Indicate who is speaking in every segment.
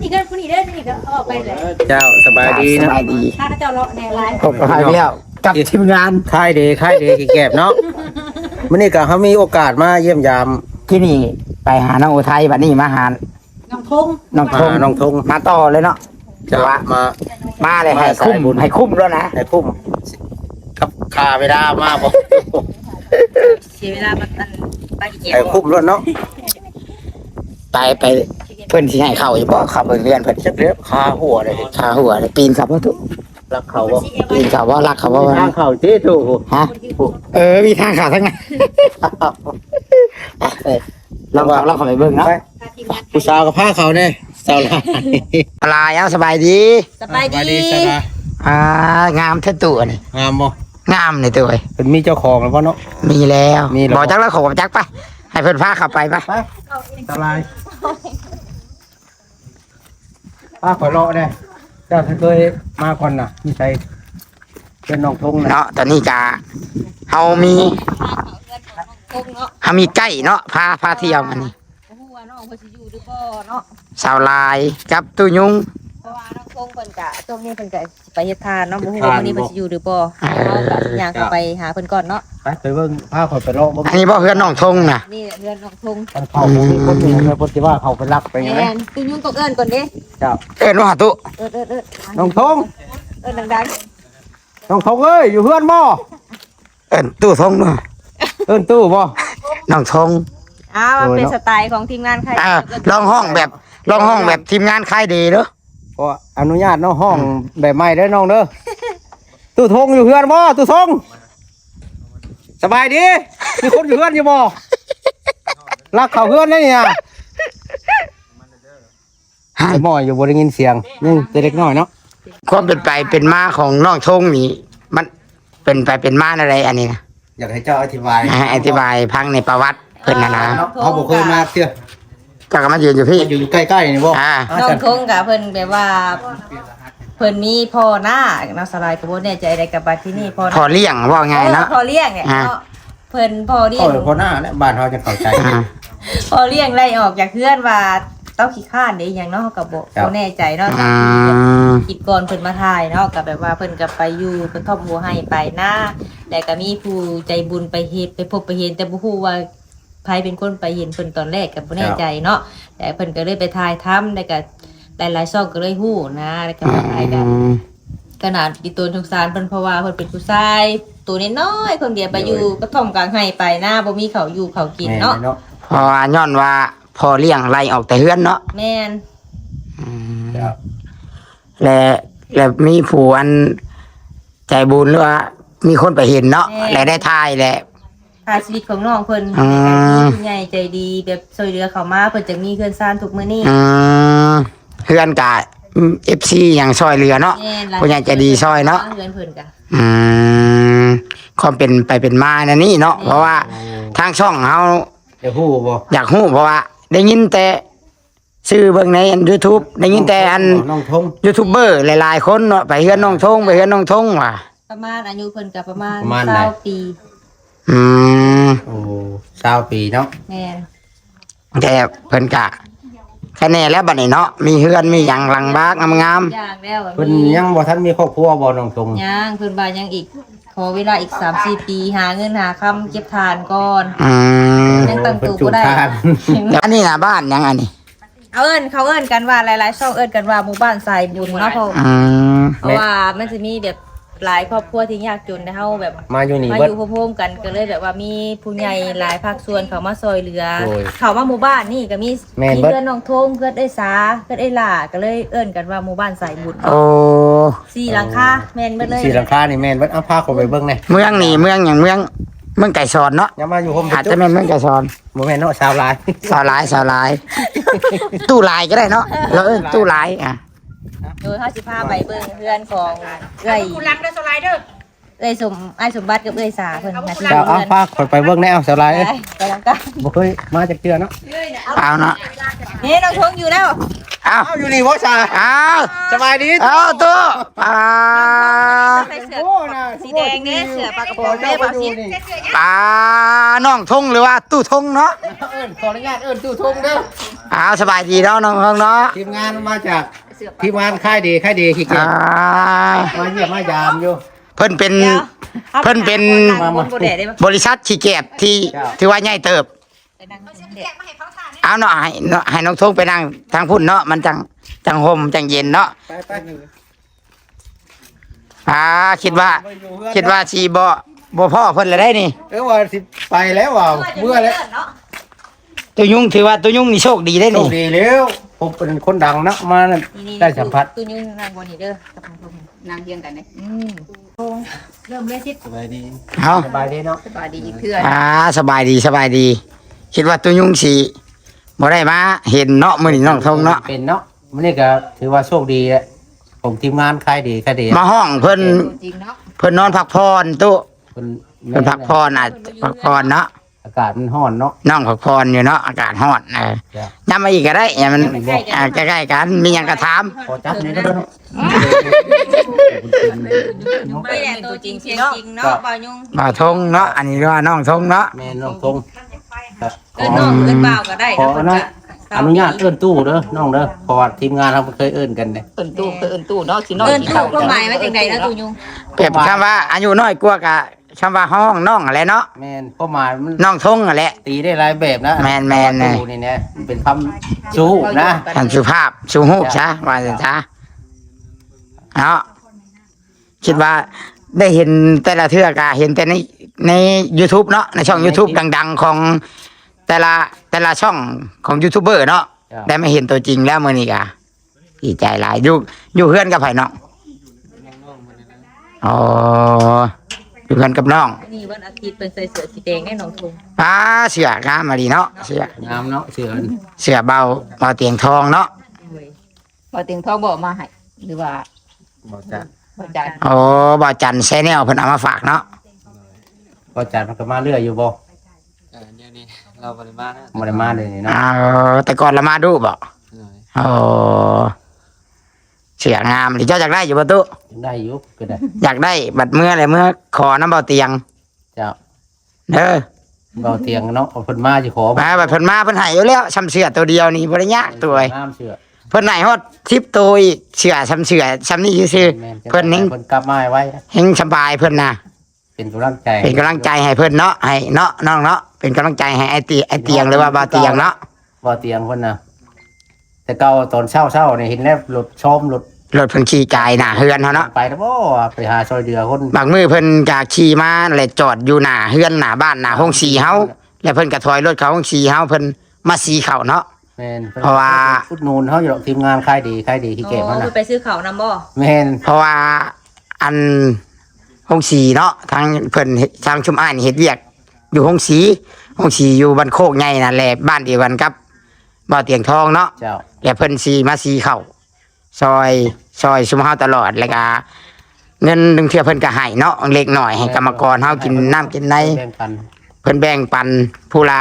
Speaker 1: นี่ก็ผู้นี้เด้อนี่ก็ออกไปเลย
Speaker 2: เจ้าสบายดี
Speaker 3: ส
Speaker 2: นะ
Speaker 3: บายดี
Speaker 1: ถ้าเจ้าเลาะแนวไลน์
Speaker 3: พบกันอีกแล้วกับทีมงาน
Speaker 2: ค่ายเดกี่แก็บเนาะมื้อนี้ก็เฮามีโอกาสมาเยี่ยมยาม
Speaker 3: ที่นี่ไปหาน้องอุทัยบัดนี้มาหา
Speaker 1: น้องทง
Speaker 3: น้องทง
Speaker 2: น้องทง
Speaker 3: มาต่อเลยเนาะ
Speaker 2: จะมา
Speaker 3: มาเลยให้
Speaker 2: มาสายบุญ
Speaker 3: ให้คุ้มแล้วนะ
Speaker 2: ให้พุ่มกับคาเวลามาบ่
Speaker 1: เสียเวลามาไปกี่เกี่ย
Speaker 2: ให้
Speaker 1: ว
Speaker 2: คุ้มรถเนาะ
Speaker 3: ไปเพิ่นสิให้เข้าอยู่บ่เข้าไปเรียนเพิ่น
Speaker 2: จักเรียบคาหัวเลย
Speaker 3: ขาหัวเลยปีนเขาบ่ทุก
Speaker 2: รักเขาบ่
Speaker 3: ปีนเขาบ่รักเขาบ่
Speaker 2: ทางเขาที่ถูก
Speaker 3: ฮะมีทางเขาทั้งนั้นลองเข้าไปเบิ่งเนาะ
Speaker 2: ผู้สาวกับผ้าเขาเนี่ยสาวลาย
Speaker 3: ลายเอาสบายดี
Speaker 1: สบายดี
Speaker 2: สบาย
Speaker 3: งามแท้ตัวนี่
Speaker 2: งามบ่
Speaker 3: งามนี่ตัวเอ้ย
Speaker 2: เป็นมีเจ้าของแล้วบ่เนาะ
Speaker 3: มีแล้ว
Speaker 2: มีแล้ว
Speaker 3: บ่จักแล้วขอจักไปให้เพิ่นพาเข้าไปไป
Speaker 2: ไปสบายป้าขอเลาะเนี่ยเจ้าเคยมาก่อนน่ะมีใครเป็นน้องทงนะ
Speaker 3: เนาะตอนนี้จะเฮามีใกล้เนาะพาเที่ยวมันนี่
Speaker 1: ฮู้ว่าน้องเพิ่นสิอยู่หรือบ่เนาะ
Speaker 3: สาวลายกับตู้ยุง
Speaker 1: เพราะว่าน้องทงเพิ่นก็ช่วงนี้เพิ่นก็ไปเฮ็ดทานเนาะบ่ฮู้ว่ามื้อนี้เพิ่นสิอยู่หรือบ่เฮาก็ย่างเข้าไปหาเพิ่นก่อนเนาะ
Speaker 2: ไปเบิ่งผ้าขอไปเลาะบ่
Speaker 3: อันนี้บ่เพื่อนน้องทงน่ะ
Speaker 1: นี่เรือนน้องทง
Speaker 2: มันเข้าบ่มีคนอยู่ในคนที่ว่าเขาไปรักไปไง
Speaker 1: แม่นตุ้ยุ่งตกเอิ้นก่อนเด้
Speaker 2: เจ้า
Speaker 3: เอิ้นว่าตุ
Speaker 1: เอิ้น
Speaker 2: น้องทง
Speaker 1: เอิ้นดัง
Speaker 2: น้องทงเอ้ยอยู่เพื่อนบ่
Speaker 3: เอิ้นตู้ทงเนาะ
Speaker 2: เอิ้นตู้บ่
Speaker 3: น้องทง
Speaker 1: ๆอ้าวมันเป็นสไตล์ของทีมงานใคร
Speaker 3: ลองห้องแบบทีมงานค่ายดีเด้อ
Speaker 2: ก็อนุญาตเนาะห้องแบบใหม่เด้อน้องเด้อตู้ทงอยู่เพื่อนบ่ตู้ทงสบายดีมีคนอยู่เพื่อนอยู่บ่รักเขาเพื่อนได้เนี่ยไอ้หมอยอยู่บ่ได้ยินเสียงนี่แต่เล็กน้อยเนาะ
Speaker 3: ความเป็นไปเป็นมาของน้องทงนี่มันเป็นไปเป็นมาอะไรอันนี้นะ
Speaker 2: อยากให้เจ้าอธิบาย
Speaker 3: อธิบายพังในประวัติเพิ่นนะ
Speaker 2: เขาบอกเคยมาเที่ยว
Speaker 3: ก็มายืนอยู่พี่
Speaker 2: อยู่ใกล้ๆนี่บ่
Speaker 1: น้องทงกับเพิ่นแบบว่า เพิ่นมีพ่อหน้าเนาะสลายก็บ่แน่ใจอะไรกับบัดที่นี่พ่อห
Speaker 3: พอ
Speaker 1: น้า
Speaker 3: เลี้ยงว่าไงเนาะ
Speaker 1: พ่อเลี้ยงเนี่ยเนาะเพิ่นพ่อเลี้ยง
Speaker 2: พอหน้าเนี่ยบ้านเขาจะเข้าใจ
Speaker 1: พ่อเลี้ยงไล่ออกจากเพื่อนว่าเต้าขี้ข้านเด้อหยังเนาะเขาก็บ่แน่ใจเนาะ กิจกรเพิ่นมาถ่ายเนาะก็แบบว่าเพิ่นก็ไปอยู่กระท่อมบัวให้ไปหน้าแต่ก็มีผู้ใจบุญไปเฮ็ดไปพบไปเห็นแต่บ่ฮู้ว่าไผเป็นคนไปเห็นเพิ่นตอนแรกก็บ่แน่ใจเนาะแต่เพิ่นก็เลยไปถ่ายทำแล้วก็หลายๆช่องก็เลยฮู้นะแล้วก็มาถ่ายกันขนาดอีตัวสงสารเพิ่นเพราะว่าเพิ่นเป็นผู้ชายตัวน้อยๆคนเดียวไปอยู่กระท่อมกลางไร่ไปหน้าบ่มีข้าวอยู่ข้าวกินเนาะ
Speaker 3: เพราะว่าย้อนว่าพอเลี้ยงไล่ออกแต่เฮือนเนาะ
Speaker 1: แม่น
Speaker 3: และมีผู้อันใจบุญหรือว่ามีคนไปเห็นเนาะและได้ทายแหละ
Speaker 1: ถ่ายชีวิตของน้องเพิ่น
Speaker 3: อืม
Speaker 1: ผู้ใหญ่ใจดีแบบช่วยเหลือเขามาเพิ่นจะมีเพื่อนซ่านทุกมื้อนี้
Speaker 3: เฮือนกะFC อย่างซอยเรือเนาะ
Speaker 1: แม่นหลาย
Speaker 3: ผู้ใหญ่ใจดีซอยเนาะ
Speaker 1: เพื่อนเพิ่นกะ
Speaker 3: ความเป็นไปเป็นมานะนี่เนาะเพราะว่าทางช่องเฮา
Speaker 2: จะฮู้บ่
Speaker 3: อยากฮู้เพราะว่า ได้ยินแต่ชื่อเบิ่งใน YouTube ได้ยินแต่อัน
Speaker 2: น้องทง
Speaker 3: ยูทูบเบอร์หลายๆคนเนาะไปเฮือนน้องทงไปเฮือนน้องทงว่ะ
Speaker 1: ประมาณอายุเพิ่นก็ประมาณ
Speaker 2: ประมาณไหน
Speaker 1: 20ปี
Speaker 3: อืม
Speaker 2: โอ้20 ปีเนาะ
Speaker 1: แม่น
Speaker 3: แต่เพิ่นกะแค่นี้แล้วบัดนี้เนาะมีเฮือนมีหยังหลังบ้านงาม
Speaker 1: ย่างแล้ว
Speaker 2: เพิ่นยังบ่ทันมีครอบครัวบ่น้องทง
Speaker 1: ย่างเพิ่นว่ายังอีกขอเวลาอีก 3-4 ปีหาเงินหาคำเก็บทานก่อน
Speaker 3: ๆ
Speaker 1: ยังตั้งตัวบ่ได้
Speaker 3: แล้วอันนี้น่ะบ้านหยังอันนี้
Speaker 1: เขาเอิ้นกันว่าหลายๆช่องเอิ้นกันว่าหมู่บ้านสายบุญเนาะเพราะว่ามันจะมีแบบหลายครอบครัวที่ยากจนนะเฮาแบบ
Speaker 2: มาอยู่นี่
Speaker 1: มา
Speaker 2: เบิ
Speaker 1: อ
Speaker 2: ด
Speaker 1: ยู่พร้อมๆกันก็เลยแบบว่ามีผู้ใหญ่หลายภาคส่วนเขามาซอยเหลือ
Speaker 2: โอ้ย
Speaker 1: เขามาหมู่บ้านนี่ก็มี
Speaker 2: แม่น
Speaker 1: มี
Speaker 2: เบิด
Speaker 1: เพื่อนน้องทงเพื่อนเอ้ยสาเพื่อนเอ้ยหล่าก็เลยเอิ้นกันว่าหมู่บ้านสายบุญ
Speaker 3: โอ้
Speaker 1: สี่หลังคาแม่นเบิดเลย
Speaker 2: สีหลังคานี่แม่นเบิดเอาพาเขาไปเบิ่งแหน่
Speaker 3: เมืองนี่เมืองอย่างเมืองไก่สอนเนาะ
Speaker 2: อย่ามาอยู่ห่ม
Speaker 3: อาจจะเป็นเมืองไก่สอน
Speaker 2: บ่แม่นเนาะชาวลาย
Speaker 3: สาวหลายตู้ลายก็ได้เนาะแล้วเอิ้นตู้ลายอ่ะ
Speaker 1: โดยเฮาสิพาไปเบิ่งเพื่อนของเอ้ย
Speaker 4: คุณรักเด้อสไลเดอร์
Speaker 1: เอ้ยอ้ายสมบัติกับเอ้ยสาเพิ่นน่าสิ
Speaker 2: เจ้าเอาพาเขาไปเบิ่งแน่เอาชาวลาย
Speaker 1: ไปหลังกัน
Speaker 2: บ่เคยมาจากเทื่อเนาะ
Speaker 3: เอาเนาะ
Speaker 1: นี่น้องทงอยู่แล้ว
Speaker 3: เอา
Speaker 2: เอาอยู่นี่บ่ชา
Speaker 3: เอา
Speaker 2: สบายดี
Speaker 3: เอาตู้
Speaker 1: ใส่เสื้อสีแดงเนี่ยเสื้อปลากระโปรงแม่บ่าวชิด
Speaker 3: ปลาน้องทงหรือว่าตู้ทงเนาะ
Speaker 2: ขออนุญาตเอิ้นตู้ทงเด้อ
Speaker 3: เอาสบายดีเนาะน้องๆเนาะ
Speaker 2: ทีมงานมาจากทีมงานค่ายดีขี้เกีย
Speaker 3: อ่า
Speaker 2: จมาเยี่ยมมายามอยู่
Speaker 3: เพิ่นเป็น เพิ่นเป็น
Speaker 1: มาบนโบเดได้ปะ
Speaker 3: บริษัทขี้เกียจที่ถือว่าใหญ่เติบ
Speaker 1: ไปนั่งบนเด็ด
Speaker 3: เอาเนาะให้น้องทงไปนั่งทางพุ่นเนาะมันจังห่มจังเย็นเนาะ
Speaker 2: ไป
Speaker 3: คิดว่าสิบ่พ่อเพิ่นเลยได้นี่
Speaker 2: ว่าสิไปแล้วว่าเมื่อแล้ว
Speaker 3: ตัวยุ่งถือว่าตัวยุ่งนี่โชคดีได้
Speaker 2: โช
Speaker 3: นี่
Speaker 2: คดีแล้วผมเป็นคนดังนะมาได้สัมผัส
Speaker 1: ตู้ยุ่งนางบนนี่เด้อกับทางตรงนางเพียงกันเลยเริ่มเลยสิ
Speaker 2: สบายดี
Speaker 3: เอา
Speaker 2: สบายดีเนาะ
Speaker 1: สบายดีเพื่อน
Speaker 3: สบายดี คิดว่าตัวยุ่งสิบ่ได้มาเห็นเนาะมื้อนี้น้องทงเนาะ
Speaker 2: เป็นเนาะมันนี่ก็ถือว่าโชคดีแหละผมทีมงานค่ายดี
Speaker 3: มาห้องเพิ่น
Speaker 1: จริงเนาะ
Speaker 3: เพิ่นนอนพักผ่อนตู้
Speaker 2: เพิ่น
Speaker 3: เพิ่นพักผ่อนพักผ่อนเนาะ
Speaker 2: อากาศมันร้อนเนาะ
Speaker 3: น้องพักผ่อนอยู่เนาะอากาศร้อนย้ำมาอีกก็ได้อย่ามันใกล้ๆกันมีหยังก็ถาม
Speaker 2: ขอจับนี่ก็ได้เนาะ
Speaker 1: ไม่แหละตัวจริงเสียงจริงเนาะบ่าวยุ่ง
Speaker 3: บ่าวทงเนาะอันนี้เรียกว่าน้องทงเนาะ
Speaker 2: แม่น้องทง
Speaker 1: เอิ้นน้องเอิ้นบ่าวก็ได้
Speaker 2: ขออนุญาตเอิ้นตู้เด้อน้องเด้อเพราะว่าทีมงานเราเคยเอิ้นกันเด้
Speaker 4: เอิ้นตู้เนาะสิเนาะ
Speaker 1: เอิ้นตู้ความหมายว่าจังไดนะตู้ยุ่ง
Speaker 3: เปรียบคำว่าอายุน้อยกว่ากะคำว่าห้องน้องอะไรเนาะ
Speaker 2: แม่นความหมายมัน
Speaker 3: น้องทงอะไร
Speaker 2: ตีได้หลายแบบนะ
Speaker 3: แม่นๆ
Speaker 2: ตู้นี่เนี่ยเป็นคำชูนะ
Speaker 3: ท่านสุภาพสุหูกซะว่าสิซะเนาะคิดว่าได้เห็นแต่ละเทือกะเห็นแต่ใน YouTube เนาะในช่อง YouTube ดังๆของแต่ละช่องของยูทูบเบอร์เนาะได้มาเห็นตัวจริงแล้วมื้อนี้กะดีใจหลายอยู่เพื่อนกับไผเนาะอ๋ออยู่เพื่อนกับน้อง
Speaker 1: นี่วันอาทิตย์เป็นใส่เสื้อสีแดงแน่นอนทุ่ง
Speaker 3: เสือกามาดีเนาะเสือง
Speaker 2: ามเนาะเสือ
Speaker 3: เสือเบาเตียงทองเนาะ
Speaker 4: บ่เตียงทองบ่มาให้หรือว่า
Speaker 2: บ่จัด
Speaker 4: บ่จัด
Speaker 3: โอ้บ่จันแชนแนลเพิ่นเอามาฝากเนาะ
Speaker 2: บ่จัดมันก็มาเรื่อยอยู่บ่
Speaker 5: เดี๋ยวนี้เราปริมาณนะ
Speaker 2: บ่ได้มาเลยนี่เนาะ
Speaker 3: แต่ก่อนละมาดูบ่
Speaker 5: หน่อย
Speaker 3: โอ้เสืองามหรือเจ้าอยากได้อยู่ประตู
Speaker 2: ยังได้อยู่ก็ได้
Speaker 3: อยากได้บัดเมื่ออะไรเมื่อขอน้ำเบาเตียง
Speaker 2: เจ้า
Speaker 3: เด้อ
Speaker 2: เบาเตียงเนาะเอาเพิ่นมาสิขอ
Speaker 3: มาบัดเพิ่นมาเพิ่นให้อยู่แล้วซ้ำเสือตัวเดียวนี่บ่ได้ยากตัวเอ้ย
Speaker 2: น้ำเสือ
Speaker 3: เพิ่นให้ฮอด10ตัวอีกเสือซ้ำเสือซ้ำนี่ซื่อ
Speaker 2: แม่น
Speaker 3: ๆเพิ่นเฮง
Speaker 2: เพิ่นกลับมาให้ไว้
Speaker 3: เฮงสบายเพิ่นน่ะ
Speaker 2: เป็นกำลังใจ
Speaker 3: เป็นกำลังใจให้เพิ่นเนาะให้เนาะน้องเนาะเป็นกำลังใจให้ไอ้เตียงหรือว่าเบาเตียงเนาะ
Speaker 2: บ่เตียงเพิ่นน่ะแต่เก่าตอนเช้านี่เห็นแล้วรถชมรถ
Speaker 3: รถเพิ่นขี่กายหน้าเฮือนเฮาเนาะ
Speaker 2: ไปแล้วบ่ไปหาซอยเดือคน
Speaker 3: บางมื้อเพิ่นก็ขี่มาแล้วจอดอยู่หน้าเฮือนหน้าบ้านหน้าห้องสีเฮาแล้วเพิ่นก็ถอยรถเข้าห้องสีเฮาเพิ่นมาสีเข้าเนาะ
Speaker 2: แม่น
Speaker 3: เพราะว่า
Speaker 2: อุดหนุนเฮาอยู่ดอกทีมงานค่ายดีขี้เก็บมัน
Speaker 1: อ๋อ
Speaker 2: น่ะ
Speaker 1: ไปซื้อข้าวนำบ่
Speaker 2: แม่น
Speaker 3: เพราะว่าอันห้องสีเนาะทางเพิ่นทางชุมอ้ายนี่เฮ็ดเวียก อยู่ห้องสีอยู่บ้านโคกใหญ่นั่นแหละบ้านเดียวกันกับบ่อเตียงทองเนาะ
Speaker 2: เจ้า
Speaker 3: แล้วเพิ่นสีมาสีเข้าซอยชุมเฮาตลอดแล้วก็เงินดึงเทื่อเพิ่นก็ให้เนาะเล็กน้อยให้กรรมกรเฮากินน้ำกินใน
Speaker 2: แบ่งปัน
Speaker 3: เพิ่นแบ่งปันผู้ละ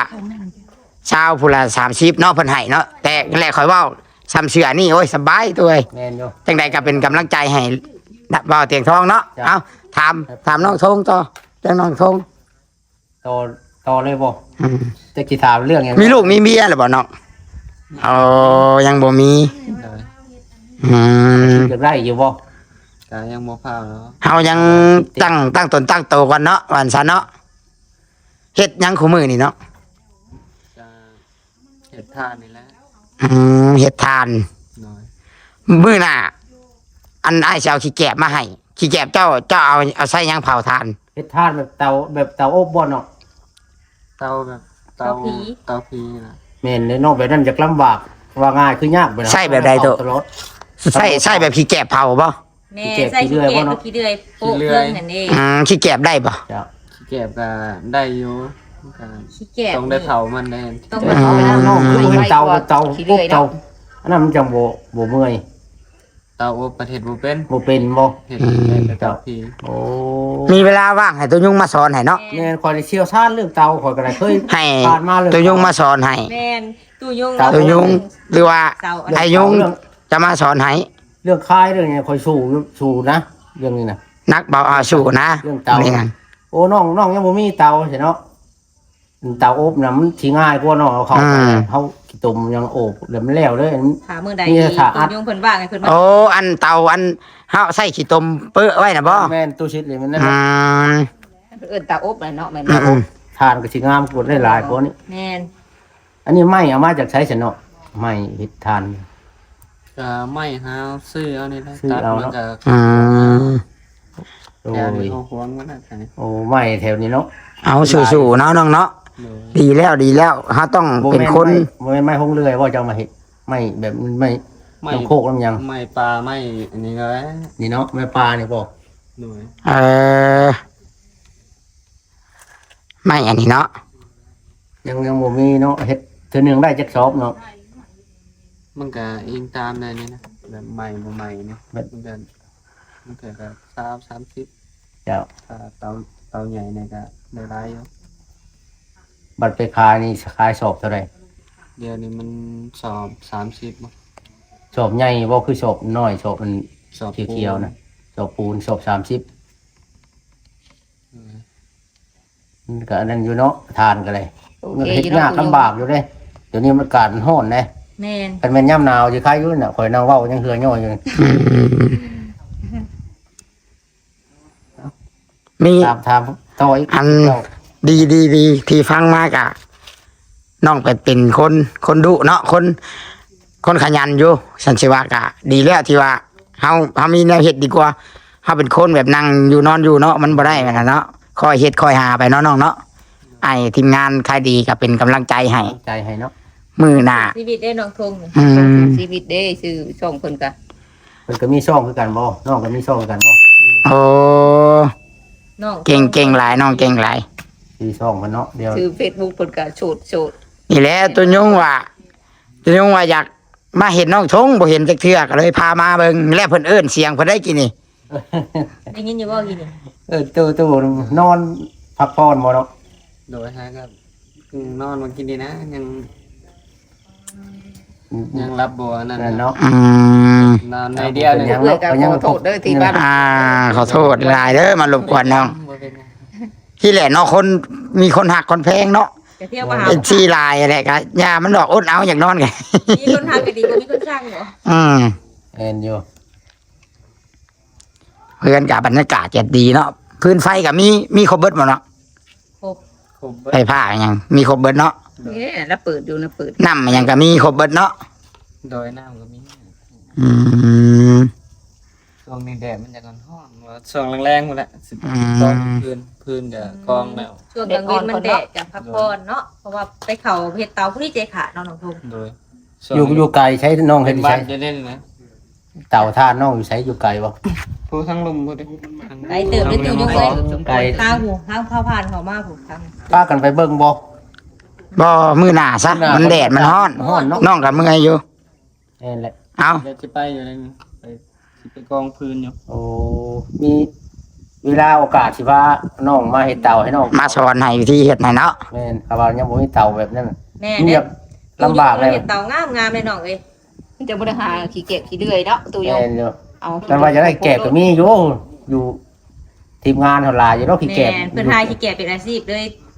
Speaker 3: 20ผู้ละ30เนาะเพิ่นให้เนาะแต่แรกข่อยเว้าซ้ำเสือนี่โอ้ยสบายตัวเอ้ย
Speaker 2: แม่นอยู่
Speaker 3: จังใดก็เป็นกำลังใจให้บ่าวเตียงทองเนาะ
Speaker 2: จ้ะ
Speaker 3: เอาถามน้องทงต่อเรื่องน้องทง
Speaker 2: ต่อเลยบ่
Speaker 3: อืม
Speaker 2: จะกี่ถามเรื่องหยัง
Speaker 3: มีลูกมีเมียหรือบ่น้องอ๋อยังบ่มี
Speaker 5: หน่อย
Speaker 3: อืม
Speaker 2: จะได้อยู่บ่
Speaker 5: กายังโมพร้าวเนาะ
Speaker 3: เฮายังตั้งตนตั้งโตก่อนเนาะวันซะเนาะเฮ็ดหยังคู่มือนี่เนาะ
Speaker 5: จะเห็ดท่านี่แหละ
Speaker 3: เฮ็ดทาน
Speaker 5: หน่อย
Speaker 3: มื้อหน้าอันอ้ายสิเอาขี้แกบมาให้ขี้แกบเจ้าเอาใส่หยังเผาทาน
Speaker 2: เฮ็ดทานแบบเตาอบบ่เนาะ
Speaker 5: เตาแบบเตาผีนะ
Speaker 2: แม่นเนาะแบบนั้นจะลำบากว่าง่ายคือยากไปนะ
Speaker 3: ใช่แบบใดโต
Speaker 2: ตลอด
Speaker 3: ใส่แบบขี้แกบเผาบ่
Speaker 1: แม่ใส่ขี้เกียจขี้เดือยโป๊ะเพื่อนนั่นเอง
Speaker 3: ขี้แกบได้บ่
Speaker 2: เจ้า
Speaker 5: ขี้เก็บก็ได้อยู่ก็
Speaker 1: ขี้เกียจ
Speaker 5: ต้องได้เผามันแน่
Speaker 1: ต้อง
Speaker 2: เอ
Speaker 1: ไปเอาไปแล้ว
Speaker 2: น้องคือเห็นเตา
Speaker 4: ขี้เลื่อย
Speaker 2: เตา
Speaker 4: เนาะ
Speaker 2: อันนั้นมันจังบ่เมื่อย
Speaker 5: เตาอบประเทศบ่เป็น
Speaker 2: บ่เป็นบ่
Speaker 5: เห็ดแต่เตาผี
Speaker 2: โอ้
Speaker 3: มีเวลาว่างให้ตัวยุงมาสอนให้เนาะ
Speaker 2: แม่นคอยได้เชี่ยวชาญเรื่องเตาคอยก็ได้เคย
Speaker 3: ให้
Speaker 2: ผ่านมาเลย
Speaker 3: ตัวยุงมาสอนให้
Speaker 1: แม่นตู้ยุ่ง
Speaker 3: ตัวยุงหรือว่า
Speaker 1: เสา
Speaker 3: ไอ้ยุงจะมาสอนให้
Speaker 2: เรื่องคายเรื่องนี้คอยสู้นะเรื่องนี้นะ
Speaker 3: นักเบาอาสู่นะ
Speaker 2: เรื่องเตา
Speaker 3: นี่นั่น
Speaker 2: โอ้น้องยังบ่มีเตาใช่เนาะเตาอบน่ะมันสิง่ายกว่าเนาะเอาเข้าไปเฮาขี้ตุ่มยังโอบแล้วมันแล้วเลย
Speaker 1: ถามมื้อใด
Speaker 2: นี่
Speaker 1: ที่
Speaker 2: ถาอั
Speaker 1: ตั
Speaker 2: ด
Speaker 1: วยุงเพิ่นว่างให้เพิ่นมา
Speaker 3: โอ้อันเตาอันเฮาใส่ขี้ตมเปื้อไว้น่ะบ่
Speaker 2: แม่นตู้ชิดเลยมันนั่น
Speaker 3: อืม
Speaker 4: เอิ้นตาอบเลยเนาะแม่น
Speaker 3: อืม
Speaker 2: ทานก็สิงามกว่าได้หลายกว่านี้
Speaker 1: แม่น
Speaker 2: อันนี้ไม้เอามาจากใช้ฉันเนาะไม้เฮ็ดทาน
Speaker 5: ก็ไม่หาซื้อเอานี่แหละ
Speaker 2: ซื้อ
Speaker 5: ตัด
Speaker 2: เอา
Speaker 5: มัน
Speaker 2: เนาะ
Speaker 5: ก็
Speaker 3: อืม
Speaker 2: โอ้
Speaker 5: แถวย นี้เอาหวงมันน่ะแถวนี้
Speaker 2: โอ้ไม้แถวนี้เนาะ
Speaker 3: เอาสู้ๆเนาะน้องเนาะ
Speaker 5: โดย
Speaker 3: ดีแล้วเฮาต้องเป็นคน
Speaker 2: บ่แม่นไม้หงเลื่อยว่าจะเอามาเฮ็ดไม้แบบไม้
Speaker 5: ไม่
Speaker 2: น้ำโคกน้ำยัง
Speaker 5: ไม่ปลาไม่อันนี้ก็ได้
Speaker 2: นี่เนาะไม้ปลานี่บ่
Speaker 5: โดย
Speaker 3: เออไม่อันนี้เนาะ
Speaker 2: ยังบ่มีเนาะเฮ็ดเทื่อหนึงได้จักสอบเนาะ
Speaker 5: มันก็อิงตามได้นี่นะแบบใหม่บ่ใหม่นี่
Speaker 2: แบบ
Speaker 5: มันก็แบบ30
Speaker 2: เจ้า
Speaker 5: ถ้าเตาใหญ่เนี่ยก็ได้หลายอยู่
Speaker 2: บัตรไปขายนี่ขายสอบเท่าไหร่
Speaker 5: เดี๋ยวนี้มันสอบ30บ่
Speaker 2: สอบใหญ่บ่คือสอบน้อยสอบมัน
Speaker 5: สอบ
Speaker 2: เขียวๆนะสอบปูนสอบ30มันก็อันนั้นอยู่เนาะทานก็เลย
Speaker 4: โอ
Speaker 2: มัน
Speaker 4: เค
Speaker 2: เฮ็ด
Speaker 4: อยู่
Speaker 2: ยาก
Speaker 4: เนาะ
Speaker 2: ลำบากอยู่เด้เดี๋ยวนี้มันอากาศมันร้อนเด้
Speaker 1: แม่น
Speaker 2: คันแม่นยามหนาวสิคายอยู่น่ะข่อยนั่งเว้ายังเหือย่ออยู่
Speaker 3: มี
Speaker 2: ถามต่ออีก
Speaker 3: อัน
Speaker 2: เจ้า
Speaker 3: ดีที่ฟังมากอะน้องเป็นคนดุเนาะคนขยันอยู่สันสิว่ากะ ดีแล้วที่ว่าเฮามีแนวเฮ็ดดีกว่าเฮาเป็นคนแบบนั่งอยู่นอนอยู่เนาะมันบ่ได้แม่นน่ะเนาะคอยเฮ็ดคอยหาไปเนาะน้องเนาะไอ้ทีมงานใครดีก็เป็นกำลังใจให้
Speaker 2: ใจให้เนาะ
Speaker 3: มือหน้า
Speaker 1: ชีวิตได้น้องทงนี่
Speaker 3: อืม
Speaker 4: ชีวิตเด้ชื่อช่องเพิ่นก็
Speaker 2: เพิ่นก็มีช่องคือกันบ่น้องก็มีช่องคือกันบ่
Speaker 3: โอ้
Speaker 1: น้อง
Speaker 3: เก่งหลายน้องเก่งหลาย
Speaker 2: มีช่องเพิ่นเนาะเดี๋ยว
Speaker 4: ชื่อ Facebook เพิ่นก็โฉด
Speaker 3: นี่แหละตัวยุงว่าอยากมาเห็นน้องทงบ่เห็นจักเทื่อก็เลยพามาเบิ่งแล้วเพิ่นเอิ้นเสียงเพิ่นได้กินนี่
Speaker 1: ได้ยินอยู่บ่กินนี่
Speaker 2: ตู้นอนพักผ่อนบ่เนาะ
Speaker 5: โดยฮะก็นอนมากินดีนะยังรับบ่อันนั่น
Speaker 2: นั่นเนาะ
Speaker 3: อืม
Speaker 5: นอนในเดียวเนี่ย
Speaker 4: ๆเอื้อยก็ขอโทษเด้อที่ว่า
Speaker 3: ขอโทษหลายเด้อมารบกวนน้อง
Speaker 5: บ่เป็นไง
Speaker 3: ที่แหละเนาะคนมีคนหักคนแพงเนาะ
Speaker 1: จะเที่ยวมาหา
Speaker 3: เป็นชีลายอะไรกันยามันดอกอดเอาอย่างนอนไง
Speaker 1: มีคนทางก็ดีกว่ามีคนสร้างเหรอ
Speaker 3: อืม
Speaker 2: เอ็นอยู่
Speaker 3: เพื่อนกับบรรยากาศจะดีเนาะพื้นไฟกับมีครบเบิดหมดเนาะ
Speaker 5: ครบเบิด
Speaker 3: ไฟผ้าอย่างมีครบเบิดเนาะ
Speaker 4: นี่แล้วเปิดอยู่นะเปิด
Speaker 3: น้ำอย่างก็มีครบเบิดเนาะ
Speaker 5: โดยน้ำก็มี
Speaker 3: อืม
Speaker 5: ช่วงนี้แดดมันจะก่อนร้อนว่าช่วงแรงๆหมดแหละสิบ
Speaker 3: อืม
Speaker 5: ตอนพื้นก็กองแล้ว
Speaker 1: ช่วงกลางวันมันแดดกับพักผ่อนเนาะเพราะว่าไปเขาเฮ็ดเตาผู้ที่เจขาน้องน้องทง
Speaker 5: โดย
Speaker 2: อยู่ไกลใช้น้อง
Speaker 5: เป็
Speaker 2: เฮ็ด
Speaker 5: น
Speaker 2: ใช้
Speaker 5: บ้านจะเล่นนะ
Speaker 2: เต่าท่านน้องอยู่ใช้อยู่ไกลบ่
Speaker 5: ผู้ทั้งลุมผู้เด้
Speaker 1: ไกลเติบได้ติวยุ่งเลย
Speaker 2: ไกล
Speaker 1: ทางหูทางเข้าผ่านเขามาผูกทาง
Speaker 2: พากันไปเบิ่งบ่
Speaker 3: บ่มือหนาซะ
Speaker 2: มื้อหน้ามั
Speaker 3: มันแดดมันร้อน
Speaker 2: ร้อนเนาะ
Speaker 3: น้องกับเมื่อยอยู่
Speaker 2: นั่นแหละ
Speaker 3: เอา
Speaker 5: เดี๋ยวจะไปอยู่เลยไปกองพื้นอยู่
Speaker 2: โอ้มีเวลาโอกาสสิว่าน้องมาเฮ็ดเต่าให้น้อง
Speaker 3: มาสอนให้วิธีเฮ็ดให้เนาะ
Speaker 2: แม่นครับว่ายังบ่มีเต่าแบบนั้น
Speaker 1: แม่
Speaker 2: เงี
Speaker 1: เนี่ย
Speaker 2: ยบลำบากเลย
Speaker 1: เฮ็ดเตางามเลยน้องเอ้ย
Speaker 4: มันจะบ่ได้หาขี้เกียจขี้เลื่อยเนาะตู้ยง
Speaker 2: แม่นอยู่
Speaker 4: เอา
Speaker 2: แต่ว่าจะได้แกะก็มีอยู่ทีมงานเฮาหลายอยู่เนาะขี้
Speaker 1: แม่
Speaker 2: แกะ
Speaker 1: เพิ่นทายขี้แก่เป็นอาชีพเลย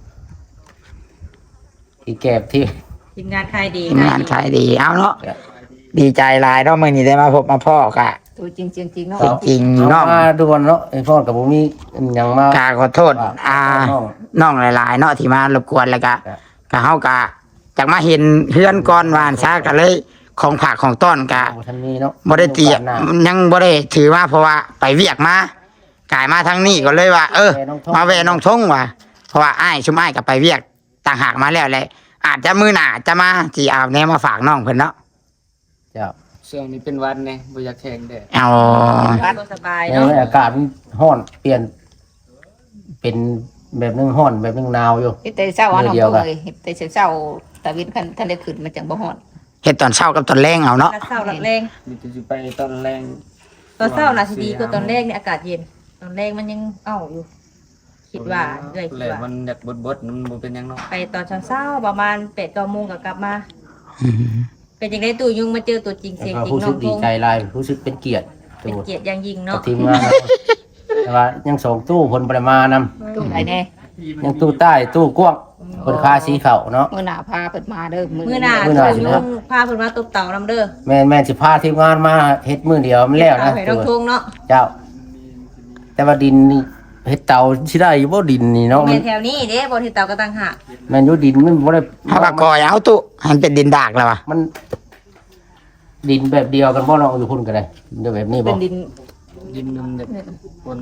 Speaker 2: ขี้แกะที่
Speaker 1: ทีมงานขายดี
Speaker 3: งานขายดีเอาเนาะดีใจหลายเนาะมื้อนี้ได้มาพบมาพ่อกะ
Speaker 4: ตัวจริงๆเนาะ
Speaker 3: จริงๆ
Speaker 2: เอา
Speaker 3: เนาะ
Speaker 2: มาด่วนเนาะไอ้พ่อกับบ่มีหยังมาก
Speaker 3: าขอโทษ
Speaker 2: น้อง
Speaker 3: น้องหลายๆเนาะที่มารบกวนแล้วก็
Speaker 2: ครับ
Speaker 3: ก็เฮาก็จากมาเห็นเฮือนก่อนวานซะก็เลยของผักของต้อนก็
Speaker 2: บ่ทันมีเนาะ
Speaker 3: บ่ได้เตรียม
Speaker 2: หน้า
Speaker 3: ยังบ่ได้ถือว่าเพราะว่าไปเวียกมากลายมาทางนี้ก็เลยว่า มาแวะน้องทงว่ะเพราะว่าอ้ายชุมอ้ายก็ไปเวียกต่างหากมาแล้วแหละอาจจะมื้อหน้าจะมาสิเอาแนวมาฝากน้องเพิ่นเนาะ
Speaker 2: เจ้า
Speaker 5: ช่วงนี้เป็นวันไงบ่อยากแข่งแดด
Speaker 3: เอา
Speaker 1: ก็สบาย
Speaker 2: แล้ว
Speaker 1: เนาะ
Speaker 2: อากาศมันร้อนเปลี่ยน เป็นแบบนึงร้อนแบบนึงหนาวอยู่
Speaker 4: เฮ็ดแต่เช้าอ่ะน้อง
Speaker 2: เดียว
Speaker 4: ตู้
Speaker 2: กัน
Speaker 4: เอ้ยเฮ็ดแต่เช้าๆตะวินคันทันได้ขึ้นมันจังบ่ฮ้อน
Speaker 3: เฮ็ดตอนเช้ากับตอนแลงเอาเนาะ
Speaker 1: รักเศร้ารักแรง
Speaker 5: มีแต่สิไปตอนแรง
Speaker 1: ตอนเศร้าน่ะสิดีกว่าตอนแรกเนี่ยอากาศเย็นตอนแรกมันยังเอ้าอยู่ คิดว่าเลยคิด
Speaker 5: แหละ
Speaker 1: ว่า
Speaker 5: มันอยากบดๆมันบ่เป็นหยังเนาะ
Speaker 1: ไปตอนเช้าๆประมาณ8-9 โมงก็กลับมา เป็นจังได๋ตู่ยุงมาเจอตัวจริง
Speaker 2: แล้ว
Speaker 1: เสียง
Speaker 2: ก็
Speaker 1: จริง
Speaker 2: รู้
Speaker 1: น้
Speaker 2: สึ
Speaker 1: อก ง
Speaker 2: ดี
Speaker 1: ทง
Speaker 2: ใจหลายรู้สึกเป็นเกียรติ
Speaker 1: เป็นเกียรติอย่างยิ่ง
Speaker 2: กับ
Speaker 1: เนาะ
Speaker 2: ทีมงานแต่ว่ายังส่งตู้เพิ่นบ่ได้มานำ
Speaker 4: ตู้ไหนแน่
Speaker 2: ยังตู้ใต้ตู้กว้าง
Speaker 1: อืม
Speaker 2: คนค่าสีเขาเนาะ
Speaker 4: มื้อหน้าพาเพิ่นมาเด้อ
Speaker 1: มื้อหน้า
Speaker 2: มื้อหน้าสิ
Speaker 1: ลุ
Speaker 2: ครับ
Speaker 1: งพาเพิ่นมาตบเต่านํเด้อ
Speaker 2: แม่นสิพาทีมงานมาเฮ็ดมื้อเดียวมันแล้วนะ
Speaker 1: ให้น้องทงเนาะ
Speaker 2: เจ้า แต่ว่าดินนี่เฮ็ดเตาสิได้อยู่บ่ดินนี่เนาะมั
Speaker 1: แม่
Speaker 2: น
Speaker 1: แถวนี้เด้บ่ที่เต่าก็ต่างหาก
Speaker 2: แม่นอยู่ดินมันบ่ได้
Speaker 3: เฮาก็ก่อยเอาตุให้มันเป็นดินดากแล้วว่ะ
Speaker 2: มันดินแบบเดียวกันบ่เนาะอยู่พุ่นก็ได้เดี๋ยวแบบนี้บ่
Speaker 4: เป็นดิน
Speaker 5: ดินนึงแบบคน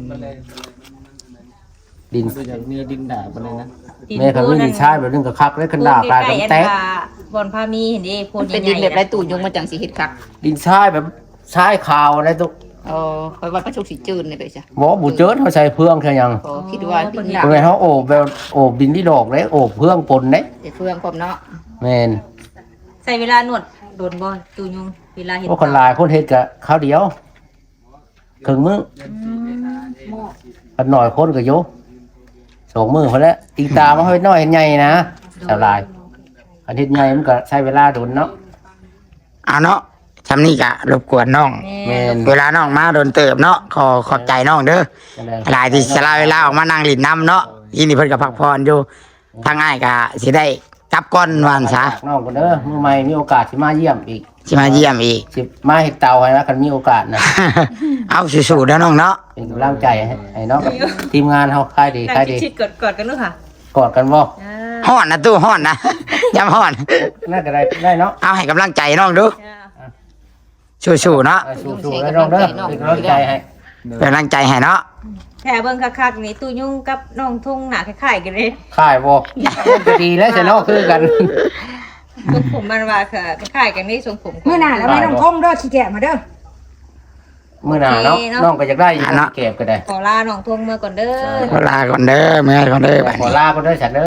Speaker 5: ดิน
Speaker 2: ดิน
Speaker 5: ก็อยากมีดินด่าไปเลยนะ
Speaker 2: แม่ก็มีดินชายแบบนึงก็คักแล้วกันดาตายกันแตก
Speaker 1: บอนพามีเห็นดิโพน
Speaker 4: เป็น
Speaker 1: ให
Speaker 4: ดิ
Speaker 1: ญ่
Speaker 4: น
Speaker 1: ๆ
Speaker 4: แบบไรตู่ยงมาจังสิเฮ็ดคัก
Speaker 2: ดินชายแบบชายขาวอะไรตุ
Speaker 4: คอยว่าประชุกสิจืดนี่ไปจ้ะ
Speaker 2: บ่บ่เจิดเฮาใช้เพื่องแค่ยัง
Speaker 4: คิดว่าดินดา
Speaker 2: เพิ่นเฮาโอบแบบโอบดินที่ดอกเลยโอบเพื่องปนเด้
Speaker 4: แต่เฟืองพร้อมเนาะ
Speaker 2: แม่น
Speaker 1: ใส่เวลาหนวดโดนบ่ตูยุงเวลาเห็น
Speaker 2: พวกคนหลายคนเฮ็ดก็ข้าวเดียวครึ่งมื้ออันน้อยคนก็อยู่2มื้อพุ่นแหละติงตามาเฮ็ดน้อยเฮ็ดใหญ่นะสลายอันเฮ็ดใหญ่มันก็ใช้เวลาโดนเนาะ
Speaker 3: เอาเนาะทำนี่ก็รบกวนน้อง
Speaker 2: แม่น
Speaker 3: เวลาน้องมาโดนเติบเนาะขอบใจน้องเด้อ
Speaker 2: จังได๋
Speaker 3: หลายที่สละเวลาออกมานั่งหลินน้ำเนาะยินดีเพิ่นก็พักผ่อนอยู่ทางอ้ายก็สิได้กลับก่อนวันซะ
Speaker 2: น้องก็เด้อมื้อใหม่มีโอกาสสิมาเยี่ยมอีก
Speaker 3: สิมาเยี่ยมอีก
Speaker 2: สิมาเฮ็ดเตาให้นะคันมีโอกาสนะ
Speaker 3: เอาสู้ๆเด้อน้องเนาะ
Speaker 2: เป็นกำลังใจให้น้องกับทีมงานเฮาค่ายดี
Speaker 1: นั่
Speaker 2: ค่าย
Speaker 1: ง
Speaker 2: ดี
Speaker 1: ชิดๆกอดๆกันด้วยค่ะ
Speaker 2: กอดกันบ่
Speaker 1: อ่า
Speaker 3: ฮ้อนนะตู้ฮ้อนนะ ย้ำฮ้อน
Speaker 2: น่าจะได้เนาะ
Speaker 3: เอาให้กำลังใจน้องดู
Speaker 1: อ่า
Speaker 3: สู้ๆเนาะ
Speaker 2: สู้ๆแล้วน้องเด้อเป็นกำลังใจให้
Speaker 3: เป็นกำลังใจให้เนาะ
Speaker 1: แค่เบิ่งคักๆนี่ตูยุงกับน้องทุ่งหน้าคล้ายๆกันเลย
Speaker 2: ค่ายบ่ก็ดีแล้วสิเนาะคือกัน
Speaker 1: ทรงผมมันว่าค่ะคล้ายๆกันนี่ทรงผม
Speaker 6: เมื่อหน้าแล้วไม่ต้องทงเด้อขี้แกะมาเด้อ
Speaker 2: มื้อหน้าเนาะน้องก็อยากได้อยู่เก็บก็ได้
Speaker 1: ขอลาน้องทุ่งเมื่อก่อนเด้อ
Speaker 3: ขอลาก่อนเด้อเมื่อยก่อนเด้อไป
Speaker 2: ขอลาก็ได้ฉันเด้อ